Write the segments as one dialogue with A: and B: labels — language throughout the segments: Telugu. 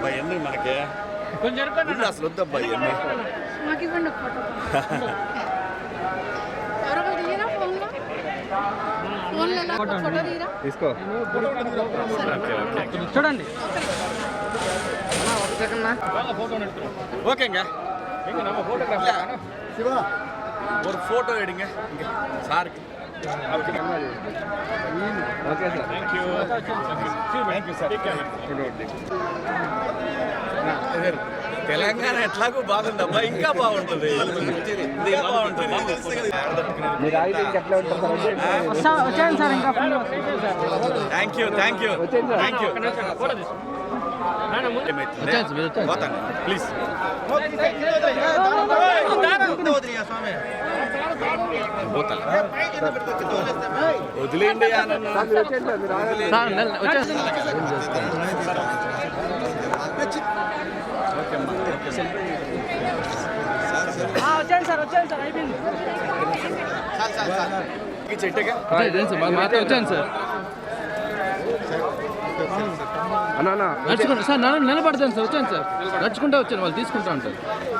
A: ఎన్ని మనకి అసలు వద్దబ్బా ఇవన్నీ
B: మాకు ఇవ్వండి ఒక ఫోటో. ఎవరో తీయరా ఫోన్లో? ఫోన్లో ఎలా ఫోటో తీయరా?
C: తీసుకో
D: చూడండి.
A: ஓகேங்க சிவா ஒரு ஃபோட்டோ எடுங்க இங்கே சாருக்கு.
C: Okay sir
A: thank you sir. Telangana ఎట్లాగో బాగుందబ్బా, ఇంకా బాగుంటుంది.
C: మీరు ఆగితే ఎట్లా ఉంటారు సార్?
D: వచ్చాను సార్. ఇంకా
A: thank you thank you thank you. పోతాను ప్లీజ్. వదిలేండి
D: వచ్చాను సార్. అయిపోయింది.
A: చెట్టుగా
D: వచ్చాను సార్. నడుచుకుంటా సార్. నిలబడతాను సార్. వచ్చాను సార్. నడుచుకుంటా వచ్చాను. వాళ్ళు తీసుకుంటా ఉంటారు.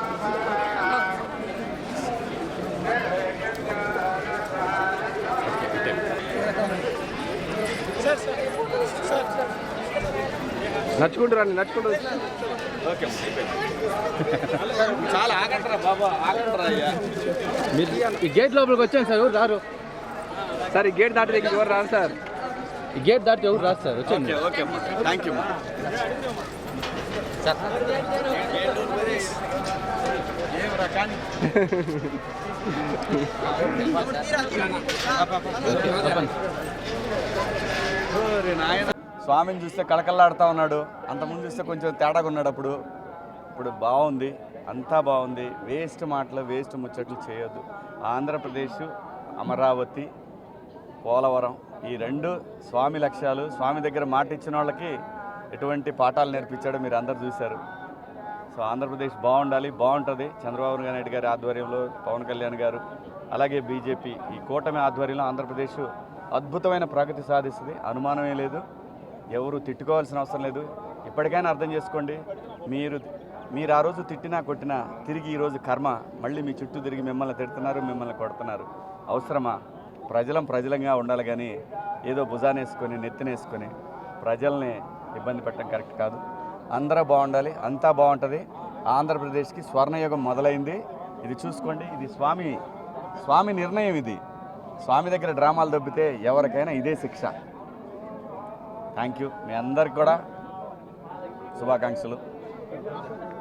C: నడుచుకుంటూ రండి. నడుచుకుంటూ
A: ఓకే చాలా ఆగంటారా బాబా, ఆగంటారా అయ్యా.
D: మీరు ఈ గేట్ లోపలికి వచ్చాను సార్. ఎవరు రారు
C: సార్. ఈ గేట్ దాటి దగ్గర ఎవరు రారు సార్.
D: ఈ గేట్ దాటి ఎవరు రాదు సార్. వచ్చాను.
A: ఓకే అమ్మా, థ్యాంక్ యూ అమ్మా. స్వామిని చూస్తే కళకళలాడుతూ ఉన్నాడు. అంతకుముందు చూస్తే కొంచెం తేడాగా ఉన్నాడు. ఇప్పుడు బాగుంది, అంతా బాగుంది. వేస్ట్ మాటలు, వేస్ట్ ముచ్చట్లు చేయొద్దు. ఆంధ్రప్రదేశ్, అమరావతి, పోలవరం ఈ రెండు స్వామి లక్ష్యాలు. స్వామి దగ్గర మాట ఇచ్చిన వాళ్ళకి ఎటువంటి పాఠాలు నేర్పించాడో మీరు అందరు చూశారు. సో ఆంధ్రప్రదేశ్ బాగుండాలి, బాగుంటుంది. చంద్రబాబు నాయుడు గారి ఆధ్వర్యంలో, పవన్ కళ్యాణ్ గారు, అలాగే బీజేపీ ఈ కూటమి ఆధ్వర్యంలో ఆంధ్రప్రదేశ్ అద్భుతమైన ప్రగతి సాధిస్తుంది. అనుమానమే లేదు. ఎవరు తిట్టుకోవాల్సిన అవసరం లేదు. ఇప్పటికైనా అర్థం చేసుకోండి. మీరు ఆ రోజు తిట్టినా కొట్టినా తిరిగి ఈరోజు కర్మ మళ్ళీ మీ చుట్టూ తిరిగి మిమ్మల్ని తిడుతున్నారు, మిమ్మల్ని కొడుతున్నారు. అవసరమా? ప్రజలంగా ఉండాలి కానీ ఏదో భుజానేసుకొని నెత్తినేసుకొని ప్రజల్ని ఇబ్బంది పెట్టడం కరెక్ట్ కాదు. అందరూ బాగుండాలి, అంతా బాగుంటుంది. ఆంధ్రప్రదేశ్కి స్వర్ణయుగం మొదలైంది. ఇది చూసుకోండి. ఇది స్వామి నిర్ణయం. ఇది స్వామి దగ్గర డ్రామాలు దొబ్బితే ఎవరికైనా ఇదే శిక్ష. Thank you. మీ అందరికి కూడా శుభాకాంక్షలు.